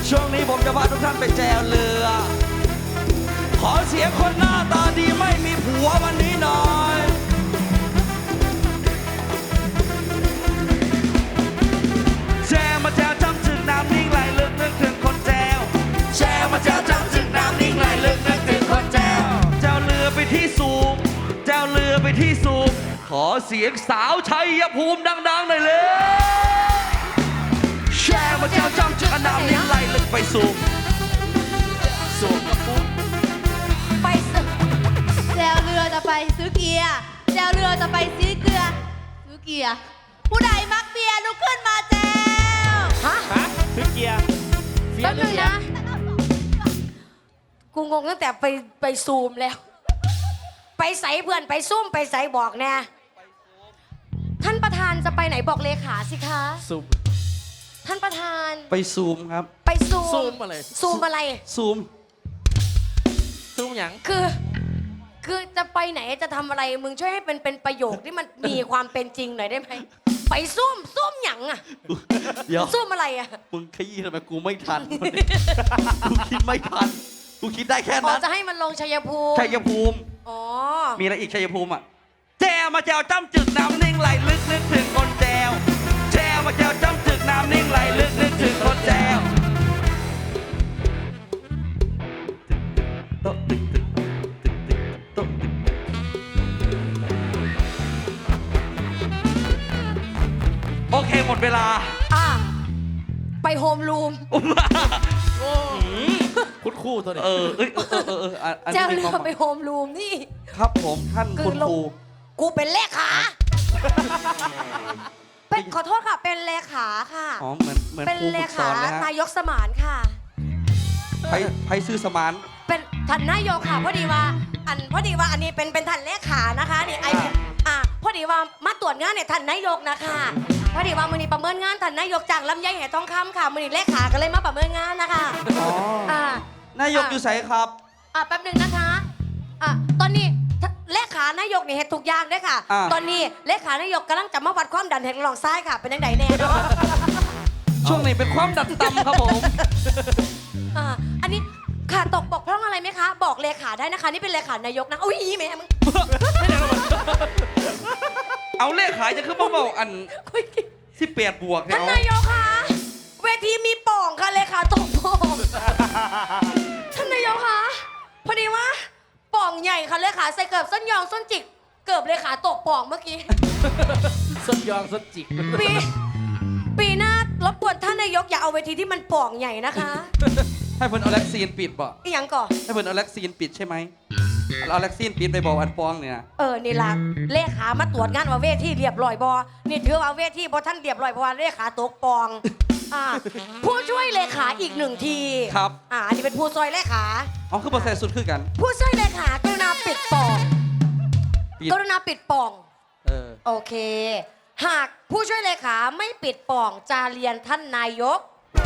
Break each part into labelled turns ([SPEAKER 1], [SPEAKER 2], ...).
[SPEAKER 1] ช่วงนี้ผมจะพาทุกท่านไปแจวเรือ ขอเสียงคนหน้าตาดีไม่มีผัววันนี้หน่อยแจวมาแจวจำถึงน้ำนิ่งไหลลึกนึกถึงคนแจวแจวมาแจวจำถึงน้ำนิ่งไหลลึกนึกถึงคนแจวแจวเรือไปที่สูงแจวเรือไปที่สูงขอเสียงสาวชัยภูมิดังๆหน่อยเลยแชร์มาแจวจำถึงน้ำนิ่งไหลลึกไปสูงสูงกับปุ๊บ
[SPEAKER 2] ไปแจวเรือจะไปซื้อเกียร์แจวเรือจะไปซื้อเกลือซื้อเกียร์ผู้ใดมักเบียร์ลุกขึ้นมาแจวฮะ
[SPEAKER 3] ซื้อเกียร์เฟีย
[SPEAKER 2] แป๊บ
[SPEAKER 3] ร์หรื
[SPEAKER 2] นึ
[SPEAKER 3] อง เกีย
[SPEAKER 2] นะ
[SPEAKER 3] ร์
[SPEAKER 2] กูงงตั้งแต่ไปซูมแล้ว ไปใส่เพื่อนไปซุ่มไปใส่บอกแน่ท่านประธานจะไปไหนบอกเลขาสิคะ
[SPEAKER 3] ซูม
[SPEAKER 2] ท่านประธาน
[SPEAKER 1] ไปซูมครับ
[SPEAKER 2] ไปซูม
[SPEAKER 3] ซูมอะไร
[SPEAKER 2] ซูมอะไร
[SPEAKER 1] ซูม
[SPEAKER 3] ซูมหยัง
[SPEAKER 2] คือจะไปไหนจะทำอะไรมึงช่วยให้เป็นประโยคที่มันมีความเป็นจริงหน่อยได้ไหมไปซุ่มหยังอะ
[SPEAKER 1] เดี๋ยว
[SPEAKER 2] ซุ่มอะไรอะ
[SPEAKER 1] มึงขยี้ทำไมกูไม่ทัน กูคิดไม่ทันกูคิดได้แค่
[SPEAKER 2] อ๋อ
[SPEAKER 1] นั้น
[SPEAKER 2] จะให้มันลงชัยภูมิ
[SPEAKER 1] ชัยภูมิ
[SPEAKER 2] อ๋อ
[SPEAKER 1] มีอะไรอีกชัยภูมิอ่ะแจวมาแจวจ้ำจึกน้ำนิ่งไหลลึกนึกถึงคนแจวแจวมาแจวจ้ำจึกน้ำนิ่งไหลลึกนึกถึงคนแจวโต๊ะตึกตึกตึกตึกโต๊ะตึกโอเคหมดเวลา
[SPEAKER 2] อ่ะไปโฮมรูม
[SPEAKER 3] โอ้คุดคู่ตัวนี้
[SPEAKER 1] อัน
[SPEAKER 2] เจ้า
[SPEAKER 1] นี้มี
[SPEAKER 2] เรื
[SPEAKER 1] ควา
[SPEAKER 2] อ
[SPEAKER 1] ม
[SPEAKER 2] ไปโฮมรูมนี่
[SPEAKER 1] ครับผมท่านคุณครู
[SPEAKER 2] กูเป็นเลขาเป็นขอโทษค่ะ เป็นเลขาค่ะ
[SPEAKER 1] อ๋อเหมือน
[SPEAKER 2] เป็น
[SPEAKER 1] ครู
[SPEAKER 2] เล
[SPEAKER 1] ฝึกส
[SPEAKER 2] ขา
[SPEAKER 1] อนเลยฮะ
[SPEAKER 2] นายกสมานค่ะ
[SPEAKER 1] ไปซื้อสมาน
[SPEAKER 2] เป็นท่านนายกค่ะพอดีว่าอันนี้เป็นท่านเลขานะคะนี่ไอพอดีว่ามาตรวจงานเนี่ยท่านนายกนะคะพอดีว่ามือนี้ประเมินงานท่านนายกจากลำไยแห่ทองคำค่ะมือนี้เลขาก็เลยมาประเมินงานนะคะ
[SPEAKER 1] อ๋อ
[SPEAKER 2] อ่าน
[SPEAKER 1] ายกอยู่ไสครับ
[SPEAKER 2] แป๊บหนึงนะคะตอนนี้เลขานายกนี่เฮ็ดทุกอย่างเด้อค่ะ ตอนนี้เลขานายกกำลังจะมาวัดความดันแห่งหลองซ้ายค่ะเป็นยังไงแน่เนาะ
[SPEAKER 1] ช่วงนี้เป็นความดันต่ำครับผม
[SPEAKER 2] อันนี้ค่ะตกบกพร่องอะไรไหมคะ บอกเลขาได้นะคะ นี่เป็นเลขานายกนะอุ้ยแม่มึง
[SPEAKER 1] เอาเลขขายจะขึ้นมาเบาอันที่เปียดบวกเนี่ย
[SPEAKER 2] ท่าน
[SPEAKER 1] เอา
[SPEAKER 2] นายกคะเวทีมีป่องค่ะเลขาตกป่องท่านนายกคะพอดีว่าป่องใหญ่ค่ะเลขาใส่เกือบส้นยองส้นจิกเกือบเลขาตกป่องเมื่อกี้
[SPEAKER 3] ส้นยองส้นจิก
[SPEAKER 2] ปีหน้ารบกวนท่านนายกอย่าเอาเวทีที่มันป่องใหญ่นะคะ
[SPEAKER 1] ให้เพิ่นเอาแล็กซีนปิดบ่
[SPEAKER 2] อีหยังก่อน
[SPEAKER 1] ให้เพิ่นเอาแล็กซีนปิดใช่ไหมเอาแล็กซีนปิดไปบอกอันปองเนี่ย
[SPEAKER 2] นี่ล่ะเลขามาตรวจงานว่าเวทีเรียบร้อยบอนี่ถือว่าเวทีบอท่านเรียบร้อยเพราะว่าเลขาตกปองผู้ช่วยเลขาอีกหนึ่งที
[SPEAKER 1] ครับ
[SPEAKER 2] อันนี้เป็นผู้ช่วยเลขา
[SPEAKER 1] เอาคือบอใส่สุดคือกัน
[SPEAKER 2] ผู้ช่วยเลขากรุณาปิดปอง
[SPEAKER 1] ปิด
[SPEAKER 2] กรุณาปิดปอง
[SPEAKER 1] เออ
[SPEAKER 2] โอเค หากผู้ช่วยเลขาไม่ปิดปองจะเรียนท่านนายก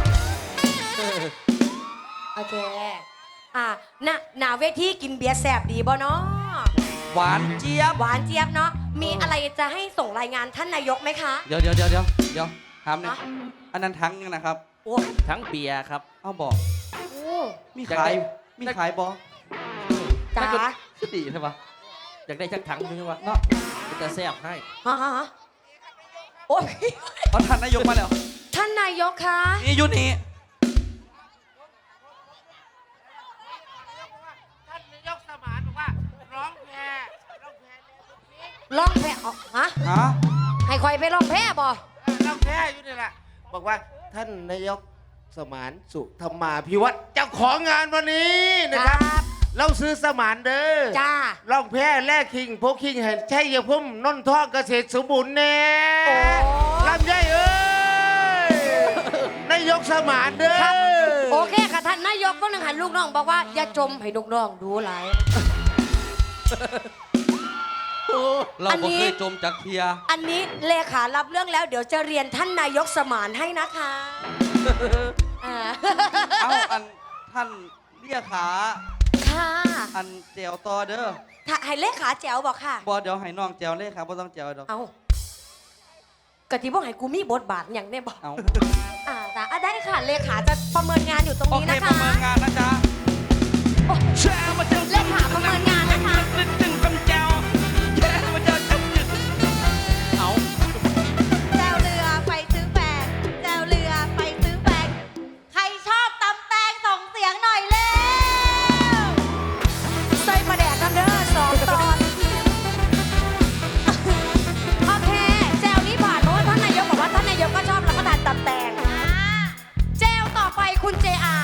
[SPEAKER 2] โอเคหน้าเวทีกินเบียร์แสบดีบ่เนาะ
[SPEAKER 1] หวานเจี๊ยบ
[SPEAKER 2] หวานเจี๊ยบเนาะมีอะไรจะให้ส่งรายงานท่านนายกไหมคะ
[SPEAKER 1] เดี๋ยวถามหน่อยอันนั้นทั้งยังนะครับ
[SPEAKER 2] โอ้
[SPEAKER 3] ทั้งเบียร์ครับ
[SPEAKER 1] เอาบอก
[SPEAKER 2] โห
[SPEAKER 1] มีขายมีขายบอ
[SPEAKER 2] จ๋า
[SPEAKER 1] คือดีใช่ปะ
[SPEAKER 3] อยากได้ชักถังใช่ไหมวะ
[SPEAKER 1] เนาะ
[SPEAKER 3] จะแซ่บให้
[SPEAKER 2] ฮะโอ้ย
[SPEAKER 1] เอาท่านนายกมาแล้ว
[SPEAKER 2] ท่านนายกคะ
[SPEAKER 1] นี่อยุนี่
[SPEAKER 4] ท่านนายกสมานบอกว่าร้องแพร่
[SPEAKER 2] ล่องแพฮะ
[SPEAKER 1] ฮะ
[SPEAKER 2] ให้คอยไปล่องแพบ่
[SPEAKER 4] ร้องแพร่อยู่นี่แหละบอกว่าท่านนายกสมานสุธรรมาภิวัตรเจ้าของงานวันนี้นะครับ เราซื้อสมานเด้อ
[SPEAKER 2] จ้า
[SPEAKER 4] ร้องแพร่แลกคิงพกคิงเห็นใช่ยาพุ่มนนท่องเกษตรสมบูรณ์แน่
[SPEAKER 2] โอ้
[SPEAKER 4] ลำไยเอ้ยนายกสมานเด้อ
[SPEAKER 2] ครับโอเคค่ะท่านนายกก็นึงหันลูกน้องบอกว่าอย่าจมให้ลูกน้องดูหลาย
[SPEAKER 1] เรา
[SPEAKER 2] อัน
[SPEAKER 1] บ่
[SPEAKER 2] นี้
[SPEAKER 1] เคยจมจากเทีย
[SPEAKER 2] อันนี้เลขารับเรื่องแล้วเดี๋ยวจะเรียนท่านนายกสมานให้นะคะอ่า
[SPEAKER 1] เอาอันท่านเรียกขา
[SPEAKER 2] ค่ะ
[SPEAKER 1] อันเจียวต่อเด้อ
[SPEAKER 2] ถ้าให้เลขาแจ๋วบอกค่ะ
[SPEAKER 1] บอเดี๋ยวให้น้องเจียวเลยครับบ่ต้องเจียวดอก
[SPEAKER 2] เอากะทิบอกให้กูมีบทบาทอย่างแน่บอก
[SPEAKER 1] เอา
[SPEAKER 2] ได้ค่ะค่ะเลขาจะประเมินงานอยู่ตรง
[SPEAKER 3] โอ
[SPEAKER 2] นี้
[SPEAKER 3] เค
[SPEAKER 2] นะ
[SPEAKER 3] ป
[SPEAKER 2] คะ
[SPEAKER 3] ระเมินงานนะจ๊ะ
[SPEAKER 1] แชร์มาเจอ
[SPEAKER 2] เลขาประเมินงานนะคะ
[SPEAKER 1] จึงกำเจ้าแชร์มาเจอจึง
[SPEAKER 3] เอา
[SPEAKER 2] แจวเรือไปซื้อแฟนแจวเรือไปซื้อแฟนใครชอบตำแตงส่งเสียงหน่อยเร็วใส่ประแดกกันเด้อ2 ตอน โอเคแจวนี้ผ่านเพราะว่าท่านนายกบอกว่าท่านนายกก็ชอบรับประทานตำแตงแจวต่อไปคุณ JR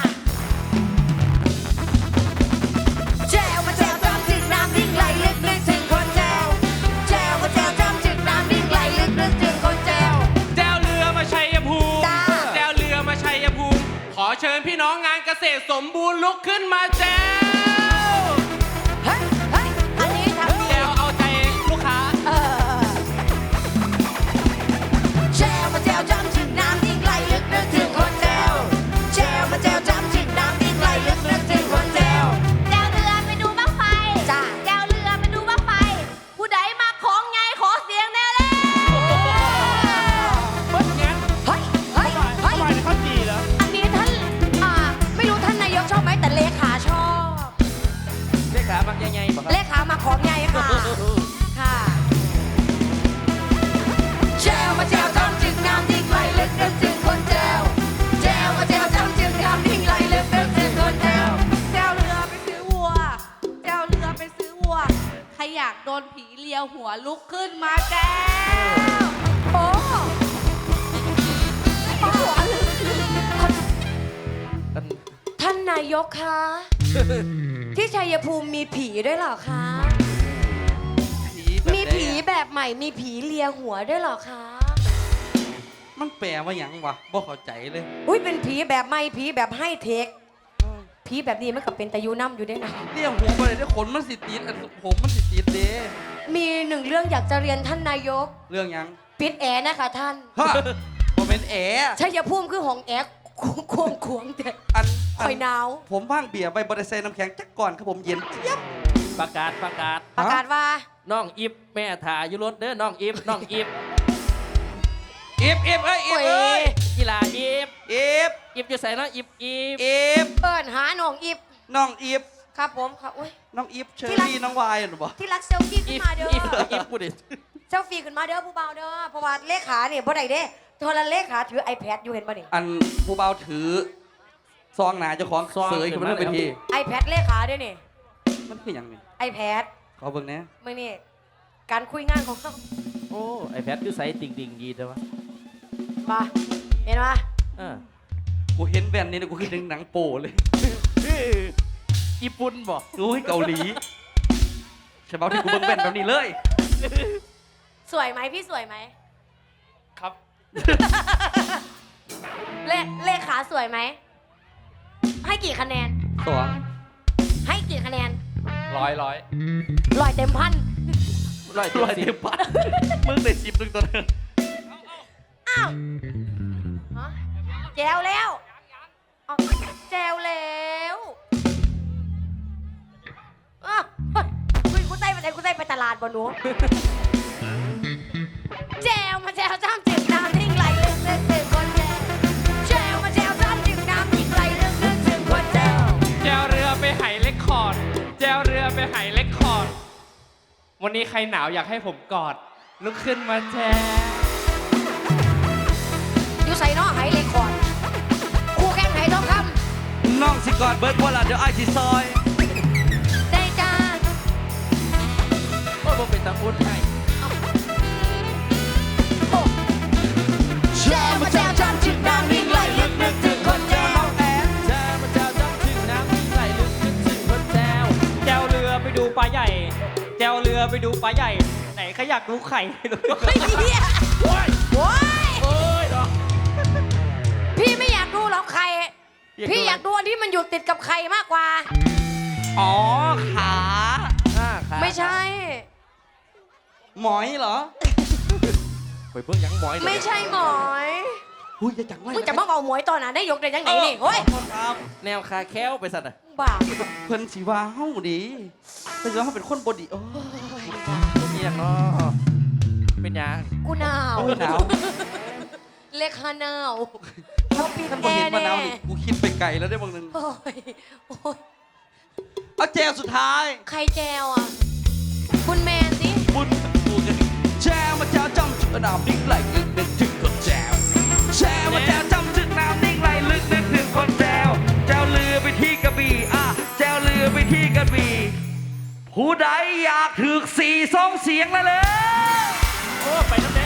[SPEAKER 2] แจวมาแจวจำจึงน้ำนิ่งไหลลึกนึกถึงคนแจวแจวมาแจวจำจึงน้ำนิ่งไหลลึกนึกถึงคนแจว
[SPEAKER 3] แจวเรือมาชัยภูมิ
[SPEAKER 2] จ้า
[SPEAKER 3] แจวเรือมาชัยภูมิ ขอเชิญพี่น้องงานเกษตรสมบูรณ์ลุกขึ้นมาแจว
[SPEAKER 2] เฮ้ยเฮ้ยอันนี้ทำดี
[SPEAKER 3] แจวเอาใจลูกค้า
[SPEAKER 2] แจวมาแจวจำจึงน้ำนิ่งไหลลึกนึกถึงคนแจวแจวมาแจวจำจึงน้ำนิ่งไหลลึกนึกถึงคนแจว
[SPEAKER 5] แจวเรือไปดูบ้างไฟ
[SPEAKER 2] จ้า
[SPEAKER 5] แจวเรือไปดูบ้างไฟ ผู้ใดมาของไงขอเสียงแน่เลย
[SPEAKER 3] เบิ้ลงั้น
[SPEAKER 2] เฮ้ยเฮ้ยเฮ้ย
[SPEAKER 3] ทำไมเขาดีแล้ว
[SPEAKER 2] อันนี้ท่านไม่รู้ท่านนายกชอบไหมแต่เลขาชอบ
[SPEAKER 3] เลขาบางใหญ่ๆบอก
[SPEAKER 2] เลขามาของไงค่ะ ค่ะแจวมาแจวจำจึงน้ำนิ่งไหลลึกนึกถึงคนแจวแจวมาแจวจำจึงน้ำนิ่งไหลลึกนึกถึงคนแจว
[SPEAKER 5] แจวเรือไปซื้อวัว แจวเรือไปซื้อวัว ใครอยากโดนผีเลียวหัวลุกขึ้นมาแจว
[SPEAKER 2] โอ้ท่านนายกคะที่ชัยภูมิมีผีด้วยเหรอคะ มีผีแบบใหม่มีผีเลียหัวด้วยเหรอคะ
[SPEAKER 3] มันแปลว่าหยังวะบ่เข้าใจเลย
[SPEAKER 2] อุ้ยเป็นผีแบบใหม่ผีแบบให้เทคผีแบบนี้มันกับเป็นตะยูน้ำอยู่ด้วยนะ
[SPEAKER 3] เรียกหัวไปเลยได้ขนมันสิติดอันผมมันสิติดเด้
[SPEAKER 2] มีหนึ่งเรื่องอยากจะเรียนท่านนายก
[SPEAKER 3] เรื่องหยัง
[SPEAKER 2] ปิดแอร์นะคะท่าน
[SPEAKER 3] ฮะผมเป็นแอร์
[SPEAKER 2] ชัยภูมิคือของแอร์ควงควงแต่
[SPEAKER 3] อัน
[SPEAKER 2] คอยหนาว
[SPEAKER 3] ผมว่างเบียร์ไปบริเซน้ำแข็งจักก่อนครับผมเย็นเจี๊ยบ
[SPEAKER 6] ประกาศ
[SPEAKER 2] ประกาศว่า
[SPEAKER 6] น้องอิฟแม่ถ่ายอยู่รถเด้อน้องอิฟน้องอิฟ
[SPEAKER 3] อีฟเอ้ยอีฟ
[SPEAKER 2] โอ้
[SPEAKER 3] เอ้
[SPEAKER 2] ย
[SPEAKER 3] ย
[SPEAKER 6] กีฬาอิฟ
[SPEAKER 3] อีฟ
[SPEAKER 6] อิฟอยู่ใส่น้องอิฟอิฟ
[SPEAKER 3] อีฟ
[SPEAKER 2] เปิดหาหนองอิฟ
[SPEAKER 3] น้องอีฟ
[SPEAKER 2] ครับผมครับอุ้ย
[SPEAKER 3] น้องอีฟเชอ
[SPEAKER 2] ที่รัก
[SPEAKER 3] รี่น้องวายหรือเปล่า
[SPEAKER 2] ที่รักเซลฟี่ขึ้
[SPEAKER 6] อิ
[SPEAKER 2] น
[SPEAKER 6] ฟ
[SPEAKER 2] มาเด้อ
[SPEAKER 6] อิฟอิฟพูดดิ
[SPEAKER 2] เซลฟี่ขึ้นมาเด้อผู้เบาเด้อเพราะว่าเลขาเนี่ยบ่ได้เด้โทรเลขาถือ iPad อยู่เห็นป่ะนี่
[SPEAKER 3] อันผู้เบาถือซองหนาเจ้าของเสยขึ้นมานั่นไปที
[SPEAKER 2] iPad เลขาด้วยนี่
[SPEAKER 3] มันคือหยังนี่
[SPEAKER 2] iPad
[SPEAKER 3] ขอเบิ่งแหน่
[SPEAKER 2] มื่อนี่การคุยงานของเขา
[SPEAKER 6] โอ้ไอแพดคือใส่ติ่งดิ่งดีแต่ว่า
[SPEAKER 2] ป่ะเห็นป่ะ
[SPEAKER 3] กูเห็นแว่นนี่นะกูคิดถึงหนังโป้เลย
[SPEAKER 6] ญี่ปุ่นบอก
[SPEAKER 3] รู้ให้เกาหลีฉบับที่กูเบิ่งแว่นแบบนี้เลย
[SPEAKER 2] สวยไหมพี่สวยไหม
[SPEAKER 3] ครับ
[SPEAKER 2] เลขาสวยไหมให้กี่คะแนน
[SPEAKER 3] สอง
[SPEAKER 2] ให้กี่คะแนน
[SPEAKER 6] ร้อย
[SPEAKER 2] ร้อยเต็มพัน
[SPEAKER 6] ร้อย
[SPEAKER 3] ร้อย
[SPEAKER 6] เต็
[SPEAKER 3] เต็
[SPEAKER 6] ม
[SPEAKER 3] มปัดมึงได้สิบหนึ่งตัวนึง
[SPEAKER 2] อ้าวฮะแจวแล้วเอาแจวแล้วอ้าวคุณใส่ไปไหนคุณใส่ไปตลาดบ่หนู แจวมาแจวจ้ำจึงน้ำนิ่งไหลลึกนึกถึงคนแจวแจวมาแจวจ้ำจึงน้ำนิ่งไหลลึกนึกถึงคนแจว
[SPEAKER 7] แจวเรือไปไหเลคคอร์ด แจวเรือไปไหเลคคอร์ด วันนี้ใครหนาวอยากให้ผมกอด ลุกขึ้นมาแจว
[SPEAKER 2] อยู่ใส่นอไหเลยก่อนคู่แข่งไหทองค
[SPEAKER 3] น้องสิกอดเบิร์ดว่าล่ะเดี๋ยวไอ้ายสิซอย
[SPEAKER 2] ำได้จ้า
[SPEAKER 6] โอ้ผมเป็นตะอุ่นให้
[SPEAKER 2] แจวมาแจวจ้ำจึงน้ำนิ่งไหลลึกนึกถึงคนแจว
[SPEAKER 6] แจวมาแจวจ้ำถึงน้ำนิ่งไหลลึกนึกถึงคนแจว
[SPEAKER 7] แจวเรือไปดูปลาใหญ่ แจวเรือไปดูปลาใหญ่ ไหนใครอยากดูไข่ดู
[SPEAKER 2] เฮ้ยเฮียโอ้ย
[SPEAKER 6] โอ้ยเนาะ
[SPEAKER 2] พี่ไม่อยากดูหรอกใคร พี่อยากดูอันที่มันอยู่ติดกับใครมากกว่า
[SPEAKER 3] อ๋อขา
[SPEAKER 2] ไม่ใช่
[SPEAKER 3] หมอยเหรอ
[SPEAKER 6] ไปเพิ่งยังหมอยเลย
[SPEAKER 2] ไม่ใช่หมอย
[SPEAKER 3] หุ้ยจะจังไร
[SPEAKER 2] มึงจะมาเอาหมวยตอนนั้นได้ยกได้ยังไงนี่เฮ้ย
[SPEAKER 3] ครับ
[SPEAKER 6] แนวคาแค้วไปสัตว์อะ
[SPEAKER 2] บ้า
[SPEAKER 3] เพิ่นสีว่าเฮาดีเพิ่นสิว่าเฮาเป็นคนบดีโอ้ย
[SPEAKER 6] เป็นยังเนาะเป็นยัง
[SPEAKER 2] กูหนาว
[SPEAKER 3] โอ้ยหนาว
[SPEAKER 2] เลขาหนาวเขาปิด
[SPEAKER 1] ท่าน
[SPEAKER 2] แอ
[SPEAKER 1] บ่เห็น
[SPEAKER 2] ร์
[SPEAKER 1] มะนาว
[SPEAKER 2] แน่
[SPEAKER 1] นี่กูคิดไปไกลแล้วได้บางนึง
[SPEAKER 2] โอ้ยโอ้ย
[SPEAKER 1] เอาแจวสุดท้าย
[SPEAKER 2] ใครแจวอ่ะ คุณแมนสิ
[SPEAKER 1] บุญกูกันแจวมาแจวจ้ำจุดน้ำนิ่งไหลลึกนึกถึงคนแจวแจวมาแจวจ้ำจุดน้ำนิ่งไหลลึกนึกถึงคนแจวแจวเรือไปที่กระบี่แจวเรือไปที่กระบี่ผู้ใดอยากถึก4 2เสียงแล้วเลย
[SPEAKER 7] โอ้ ไปน้ำแดง